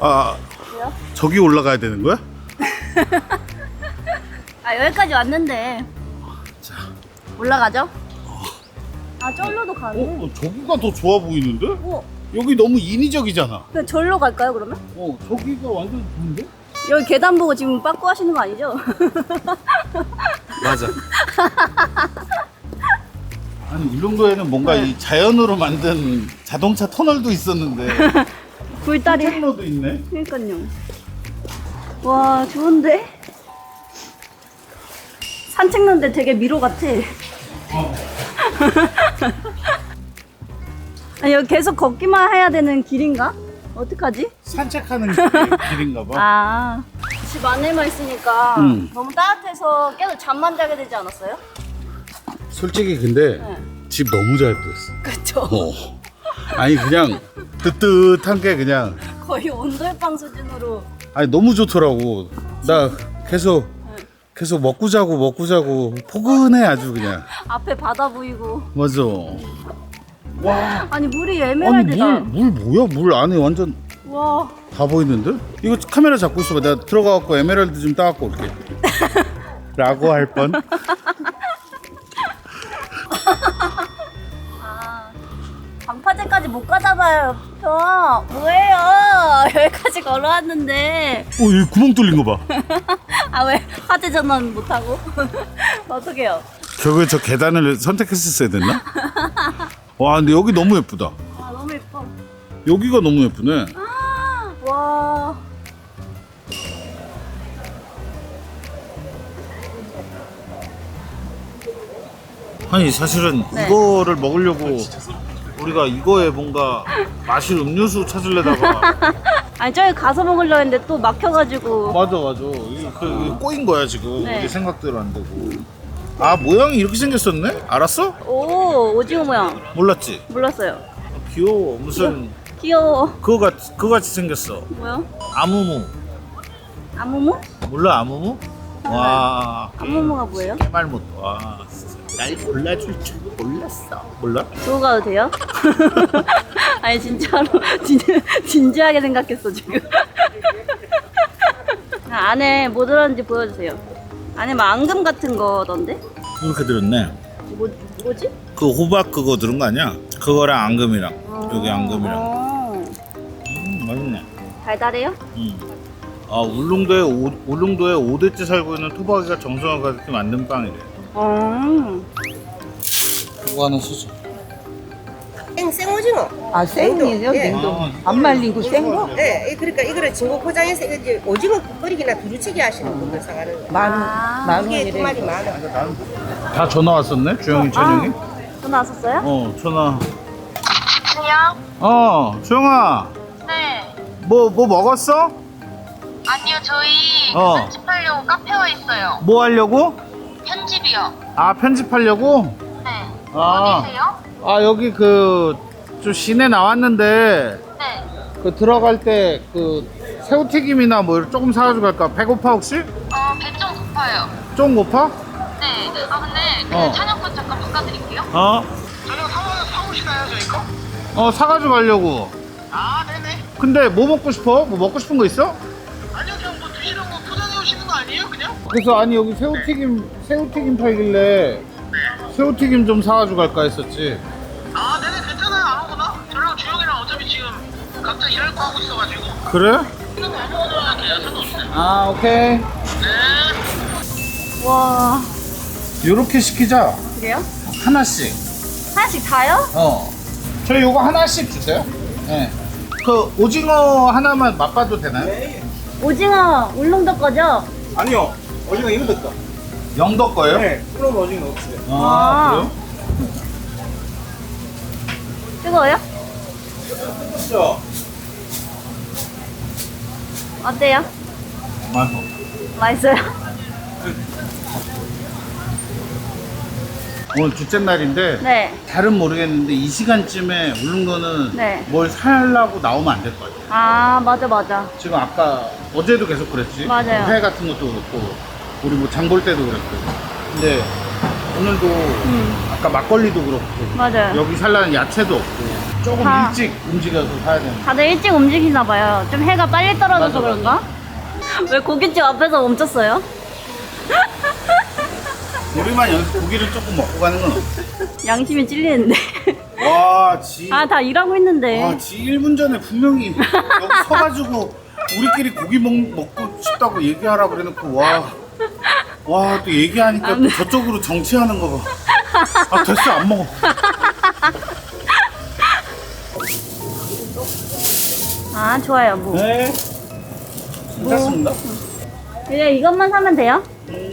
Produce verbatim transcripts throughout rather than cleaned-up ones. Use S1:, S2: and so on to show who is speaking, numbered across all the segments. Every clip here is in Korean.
S1: 아,
S2: 왜요?
S1: 저기 올라가야 되는 거야?
S2: 아 여기까지 왔는데
S1: 자,
S2: 올라가죠? 아 절로도 가네.
S1: 어, 저기가 더 좋아 보이는데?
S2: 어,
S1: 여기 너무 인위적이잖아.
S2: 그냥 절로 갈까요 그러면?
S1: 어, 저기가 완전 좋은데?
S2: 여기 계단 보고 지금 빠꾸 하시는 거 아니죠?
S1: 맞아. 아니 울릉도에는 뭔가
S2: 네.
S1: 이 자연으로 만든 자동차 터널도 있었는데
S2: 굴다리.
S1: 통로도 있네.
S2: 그러니까요. 와 좋은데? 산책로인데 되게 미로 같아.
S1: 어.
S2: 아니 여기 계속 걷기만 해야 되는 길인가? 어떡하지?
S1: 산책하는 길- 길인가 봐.
S2: 아, 집 안에만 있으니까
S1: 음.
S2: 너무 따뜻해서 계속 잠만 자게 되지 않았어요?
S1: 솔직히 근데
S2: 네.
S1: 집 너무 잘 구했어.
S2: 그쵸.
S1: 어. 아니 그냥 뜨뜻한 게 그냥
S2: 거의 온돌방 수준으로.
S1: 아니 너무 좋더라고. 나 계속 계속 먹고 자고 먹고 자고 포근해 아주 그냥.
S2: 앞에 바다 보이고.
S1: 맞아. 와.
S2: 아니 물이
S1: 아니
S2: 에메랄드다.
S1: 물, 물 뭐야? 물 안에 완전
S2: 와.
S1: 다 보이는데? 이거 카메라 잡고 있어봐. 내가 들어가갖고 에메랄드 좀 따갖고 올게. 라고 할 뻔.
S2: 아, 방파제까지 못 가잖아요. 저 뭐예요? 여기까지 걸어왔는데.
S1: 어, 여기 구멍 뚫린 거 봐.
S2: 아 왜 화재 전원 못 하고? 어떡해요?
S1: 결국에 저 계단을 선택했었어야 됐나? 와, 근데 여기 너무 예쁘다.
S2: 아 너무 예뻐.
S1: 여기가 너무 예쁘네.
S2: 와.
S1: 아니 사실은
S2: 네.
S1: 이거를 먹으려고 우리가 이거에 뭔가 마실 음료수 찾으려다가
S2: 아니 저기 가서 먹으려 했는데 또 막혀가지고.
S1: 맞아 맞아 이게 그, 이게 꼬인 거야 지금.
S2: 네.
S1: 우리 생각대로 안 되고. 아 모양이 이렇게 생겼었네? 알았어?
S2: 오 오징어 모양.
S1: 몰랐지?
S2: 몰랐어요.
S1: 귀여워. 무슨
S2: 귀여워.
S1: 그거 같 그거 같이 생겼어.
S2: 뭐요?
S1: 아무무.
S2: 아무무?
S1: 몰라 아무무? 와.
S2: 아무무가 뭐예요?
S1: 말 못. 와. 진짜. 날 골라줄 줄 몰랐어. 몰라?
S2: 두고 가도 돼요? 아니 진짜로 진, 진지하게 생각했어 지금. 아, 안에 뭐 들었는지 보여주세요. 안에 막 앙금 같은 거던데?
S1: 이렇게 들었네.
S2: 뭐, 뭐지?
S1: 그 호박 그거 들은 거 아니야? 그거랑 앙금이랑 여기 앙금이랑.
S2: 어,
S1: 음, 맛있네.
S2: 달달해요?
S1: 음. 아 울릉도에 오, 울릉도에 오 대째 살고 있는 토박이가 정성을 가득히 만든 빵이래.
S2: 어.
S1: 그거 하나 쓰자.
S3: 생, 생오징어.
S4: 아, 생이요?
S3: 예.
S4: 냉동.
S1: 아,
S4: 안 말리고 생 거?
S3: 네, 이- 그러니까 이거를 진공 포장해서 이거 이제 오징어 끓이기나 두루치기 하시는 분들 사가는 거예요.
S4: 만,
S2: 아.
S4: 만
S3: 이게 두 마리
S4: 원이래.
S3: 만 원.
S1: 다 전화 왔었네? 주영이, 천영이?
S2: 전화 왔었어요?
S1: 어, 전화.
S5: 안녕?
S1: 어, 주영아.
S5: 네.
S1: 뭐, 뭐 먹었어?
S5: 아니요, 저희
S1: 어.
S5: 편집하려고 카페 와 있어요.
S1: 뭐 하려고?
S5: 편집이요.
S1: 아, 편집하려고?
S5: 네.
S1: 아.
S5: 어디세요?
S1: 아, 여기 그, 좀 시내 나왔는데,
S5: 네.
S1: 그 들어갈 때 그 새우튀김이나 뭐 조금 사가지고 갈까? 배고파 혹시?
S5: 어, 배 좀 고파요.
S1: 좀 고파?
S5: 네. 아, 근데 그
S1: 어.
S5: 찬영권 잠깐 바꿔드릴게요.
S1: 어?
S5: 저녁 사오, 사오시나요, 저희 거?
S1: 어, 사가지고 가려고.
S5: 아, 네네.
S1: 근데 뭐 먹고 싶어? 뭐 먹고 싶은 거 있어?
S5: 아니요, 그냥 뭐 드시는 거 포장해 오시는 거 아니에요, 그냥?
S1: 그래서 아니 여기 새우튀김 새우튀김 팔길래 새우튀김 좀 사가지고 갈까 했었지.
S5: 아, 네네, 괜찮아요, 아무거나. 저랑 주영이랑 어차피 지금 각자 일할 거 하고 있어가지고.
S1: 그래?
S5: 이건 아무거나 돼요, 상관없어요.
S1: 아 오케이.
S5: 네.
S2: 와.
S1: 요렇게 시키자.
S2: 그래요?
S1: 하나씩.
S2: 하나씩 다요?
S1: 어. 저희 요거 하나씩 주세요. 네. 그 오징어 하나만 맛봐도 되나요?
S2: 오징어 울릉도 거죠?
S6: 아니요, 오징어 이거 거.
S1: 영덕 거예요?
S6: 네, 그럼 오징어 없어요.
S1: 아,
S2: 아.
S1: 그래요?
S2: 뜨거워요?
S6: 그렇죠.
S2: 어때요?
S1: 맛있어.
S2: 맛있어요?
S1: 오늘 둘째 날인데
S2: 네.
S1: 잘은 모르겠는데 이 시간쯤에 울릉도는
S2: 네.
S1: 뭘 사려고 나오면 안 될 것 같아요.
S2: 아 맞아 맞아.
S1: 지금 아까 어제도 계속 그랬지.
S2: 맞아요.
S1: 회 같은 것도 그렇고 우리 뭐 장 볼 때도 그랬고. 근데 오늘도
S2: 음
S1: 아까 막걸리도 그렇고
S2: 맞아요.
S1: 여기 살라는 야채도 없고 조금
S2: 다-
S1: 일찍 움직여서 사야 되는.
S2: 다들 일찍 움직이나 봐요. 좀 해가 빨리 떨어져서
S1: 맞아,
S2: 그런가? 왜 고깃집 앞에서 멈췄어요?
S1: 우리만 여기서 고기를 조금 먹고 가는 건 어때?
S2: 양심이 찔리는데.
S1: 와, 지.
S2: 아, 다 일하고 있는데.
S1: 와, 지 일 분 전에 분명히 여기 서가지고 우리끼리 고기 먹, 먹고 싶다고 얘기하라 그래놓고 와. 와, 또 얘기하니까 또 저쪽으로 정치하는 거 봐. 아, 됐어, 안 먹어.
S2: 아, 좋아요, 뭐.
S1: 네. 괜찮습니다.
S2: 그냥 이것만 사면 돼요?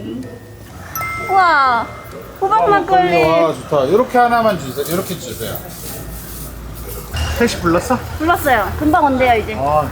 S2: 우와, 호박 막걸리.
S1: 와, 좋다. 이렇게 하나만 주세요. 이렇게 주세요. 택시 불렀어?
S2: 불렀어요. 금방 온대요, 이제.
S1: 아.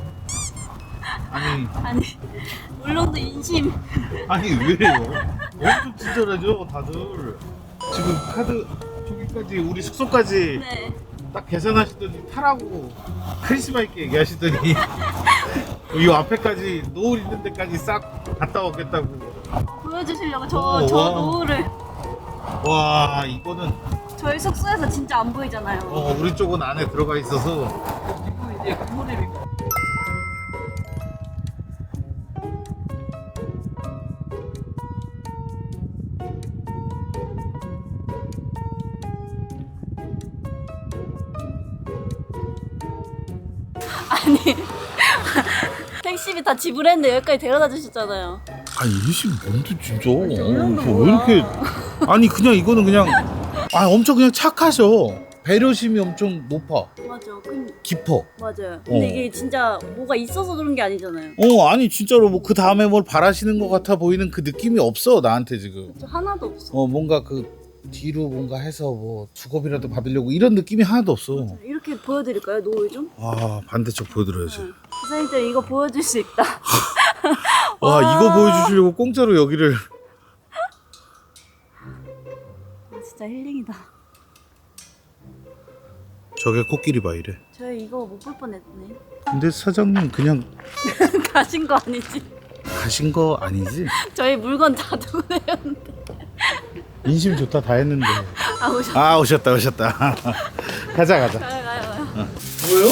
S1: 아니,
S2: 아니, 울릉도 인심.
S1: 아니 왜요? 엄청 친절하죠, 다들. 지금 카드 저기까지 우리 숙소까지
S2: 네.
S1: 딱 계산하시더니 타라고 카리스마 있게 얘기하시더니 이 앞에까지 노을 있는 데까지 싹 갔다 오겠다고.
S2: 보여주시려고 저,
S1: 오,
S2: 저
S1: 와.
S2: 노을을.
S1: 와, 이거는
S2: 저희 숙소에서 진짜 안 보이잖아요.
S1: 어, 우리 쪽은 안에 들어가 있어서 지금 이제 굿모델이고.
S2: 아니, 택시비 다 지불했는데 여기까지 데려다 주셨잖아요.
S1: 아니 이씨 뭔데 진짜? 어, 왜 이렇게? 아니 그냥 이거는 그냥 아 엄청 그냥 착하셔. 배려심이 엄청 높아.
S2: 맞아. 근,
S1: 깊어.
S2: 맞아요. 근데
S1: 어.
S2: 이게 진짜 뭐가 있어서 그런 게 아니잖아요.
S1: 어 아니 진짜로 뭐 그 다음에 뭘 바라시는 것 같아 보이는 그 느낌이 없어 나한테 지금.
S2: 저 하나도 없어.
S1: 어 뭔가 그 뒤로 뭔가 해서 뭐 주겁이라도 받으려고 이런 느낌이 하나도 없어.
S2: 이렇게 보여드릴까요, 노을 좀?
S1: 아 반대쪽 보여드려야지.
S2: 기사님들 이거 보여줄 수 있다.
S1: 와 이거 보여주시려고 공짜로 여기를.
S2: 진짜 힐링이다.
S1: 저게 코끼리 봐 이래.
S2: 저희 이거 못 볼 뻔했네.
S1: 근데 사장님 그냥
S2: 가신 거 아니지?
S1: 가신 거 아니지?
S2: 저희 물건 다 두고 내렸는데.
S1: 인심 좋다 다 했는데.
S2: 아, 오셨.
S1: 아 오셨다 오셨다. 가자 가자.
S2: 가요, 가요, 가요.
S1: 뭐요?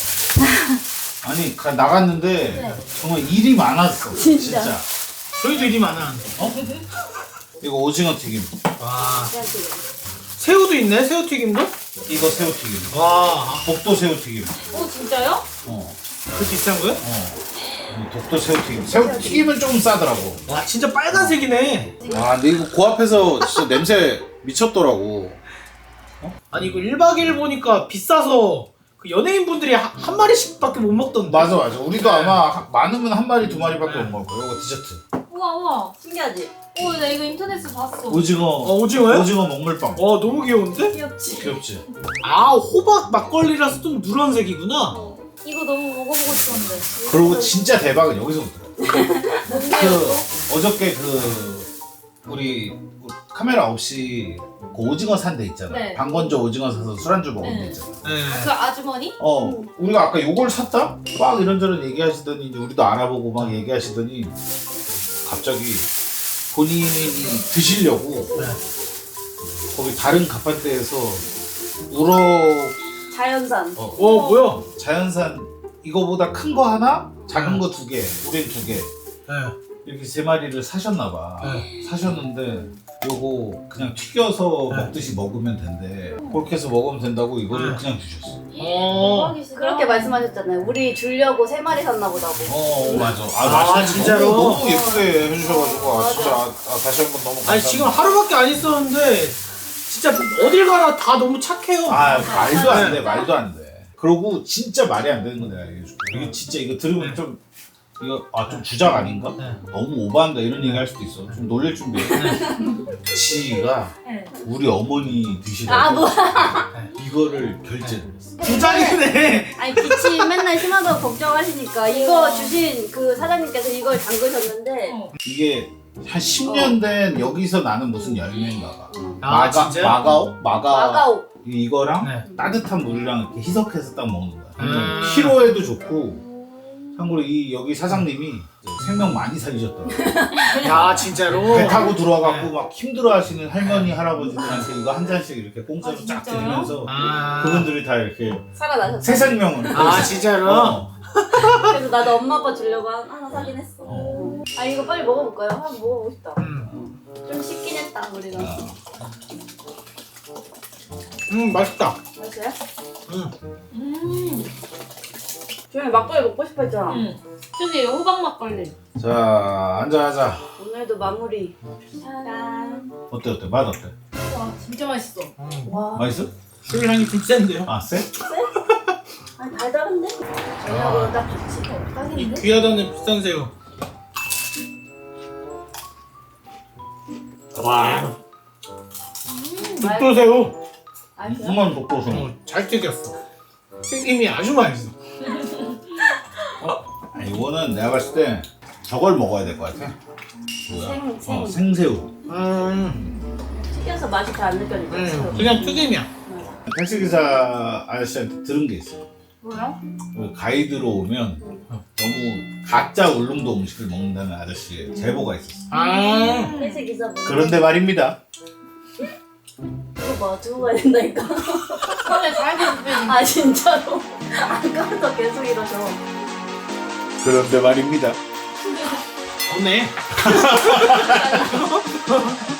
S1: 아니 가, 나갔는데 정말 일이 많았어.
S2: 진짜.
S6: 저희도 일이 많아.
S1: 어? 이거 오징어 튀김.
S6: 와. 새우도 있네, 새우튀김도?
S1: 이거 새우 튀김.
S6: 와.
S1: 독도 새우 튀김.
S2: 오, 진짜요?
S1: 어.
S6: 그 비싼 거야?
S1: 어. 독도 새우 튀김. 새우 튀김은 좀 싸더라고.
S6: 와, 진짜 빨간색이네.
S1: 아 근데 이거 그 앞에서 진짜 냄새 미쳤더라고.
S6: 아니, 이거 일 박 이 일 보니까 비싸서 그 연예인분들이 한, 한 마리씩밖에 못 먹던데.
S1: 맞아 맞아. 우리도 아마 하- 많으면 한 마리 두 마리밖에 못 먹을 거야. 이거 디저트.
S2: 우와, 우와. 신기하지? 오, 나 이거 인터넷에서 봤어.
S1: 오징어.
S6: 어, 오징어요?
S1: 오징어 먹물빵.
S6: 와, 너무 귀여운데?
S2: 귀엽지?
S1: 귀엽지?
S6: 아, 호박 막걸리라서 좀 누런색이구나.
S2: 어. 이거 너무 먹어보고 싶었는데.
S1: 그리고 진짜 대박은 여기서부터.
S2: 뭔데요,
S1: 그 어저께 그 우리 카메라 없이 그 오징어 산 데 있잖아.
S2: 네.
S1: 방건조 오징어 사서 술안주 먹은 데
S2: 네.
S1: 있잖아.
S6: 네.
S2: 그 아주머니?
S1: 어, 우리가 아까 요걸 샀다? 막 이런저런 얘기하시더니 이제 우리도 알아보고 막 얘기하시더니 갑자기 본인이 드시려고
S6: 네.
S1: 거기 다른 가판대에서 우럭
S2: 자연산.
S1: 어,
S6: 어, 뭐야?
S1: 자연산 이거보다 큰 거 하나, 작은 거 두 개, 우린 두 개.
S6: 네.
S1: 이렇게 세 마리를 사셨나봐.
S6: 네.
S1: 사셨는데 요거 그냥 튀겨서
S6: 네.
S1: 먹듯이 먹으면 된대. 그렇게 해서 먹으면 된다고 이거를
S6: 네.
S1: 그냥 드셨어.
S6: 어.
S2: 그렇게 말씀하셨잖아요. 우리 주려고 세 마리 샀나 보다고.
S1: 어 맞아. 아,
S6: 아,
S1: 맛있는
S6: 진짜로?
S1: 너무, 너무 예쁘게 해주셔가지고 아
S2: 맞아.
S1: 진짜 아, 아, 다시 한번 너무 감사합니다.
S6: 아니, 지금 하루밖에 안 있었는데 진짜 어딜 가나 다 너무 착해요.
S1: 아 말도 안 돼,
S6: 네.
S1: 말도 안 돼. 그러고 진짜 말이 안 되는 거 내가 얘기해줄게. 이게 진짜 이거 들으면
S6: 네.
S1: 좀 이거 아 좀 주작 아닌가?
S6: 네.
S1: 너무 오버한다 이런 얘기 할 수도 있어. 좀 놀릴 준비해. 지가
S2: 네.
S1: 우리 어머니 드시라고
S2: 아, 뭐.
S1: 이거를 결제를 했어.
S6: 부장이네.
S2: 아니, 기침 맨날 심하다고 걱정하시니까 이거 주신 그 사장님께서 이걸 담그셨는데.
S1: 이게 한 십 년 된 여기서 나는 무슨 열매인가 봐.
S6: 아,
S1: 마가,
S6: 진짜요?
S1: 마가오? 마가
S2: 마가오.
S1: 이거랑
S6: 네.
S1: 따뜻한 물이랑 이렇게 희석해서 딱 먹는 거야.
S6: 음.
S1: 피로에도 좋고 참고로 이 여기 사장님이 생명 많이 살리셨더라고요.
S6: 야 진짜로.
S1: 배 타고 들어와갖고 막 힘들어하시는 할머니 할아버지들한테 이거 한 잔씩 이렇게 공짜로 쫙 드리면서
S6: 아.
S1: 그분들이 다 이렇게
S2: 살아나셨어.
S1: 새 생명을.
S6: 아 진짜로.
S1: 어.
S2: 그래서 나도 엄마 아빠 주려고 한- 하나 사긴 했어.
S1: 어.
S2: 아 이거 빨리 먹어볼까요? 한번 먹어보고 싶다.
S6: 음.
S2: 좀 식긴 했다 우리가.
S6: 음 맛있다.
S2: 맛있어요?
S6: 음.
S2: 음. 주영이 막걸리 먹고 싶어 했잖아.
S7: 응. 저기 호박 막걸리.
S1: 자 앉아 하자.
S2: 오늘도 마무리. 짠.
S1: 어때 어때 맛 어때?
S7: 와 진짜 맛있어.
S6: 음.
S2: 와.
S1: 맛있어?
S6: 술 향이 좀 센데요.
S1: 아 쎄?
S2: 아니 달달한데? 저녁으로 딱 좋지.
S6: 이
S2: 딱인데?
S6: 귀하다는 비싼 새우. 와. 독도새우.
S2: 맛있어요?
S1: 무슨 독도서.
S6: 어, 잘 튀겼어. 튀김이 아주 맛있어.
S1: 아, 이거는 내가 봤을 때 저걸 먹어야 될 것 같아. 뭐야?
S2: 생- 생.
S1: 어, 생새우.
S6: 음.
S2: 튀겨서 맛이 잘 안 느껴지죠?
S6: 음. 그냥 튀김이야.
S1: 택시기사 아저씨한테 들은 게 있어.
S2: 뭐요?
S1: 그 가이드로 오면 너무 가짜 울릉도 음식을 먹는다는 아저씨의 제보가 있었어.
S6: 아.
S2: 회색 기사분.
S1: 그런데 말입니다.
S2: 이거 봐 두고 가야 된다니까.
S7: 처음에 살고 싶은
S2: 아 진짜로? 아까부터 계속 이러죠.
S1: 그런데 말입니다.
S6: 없네.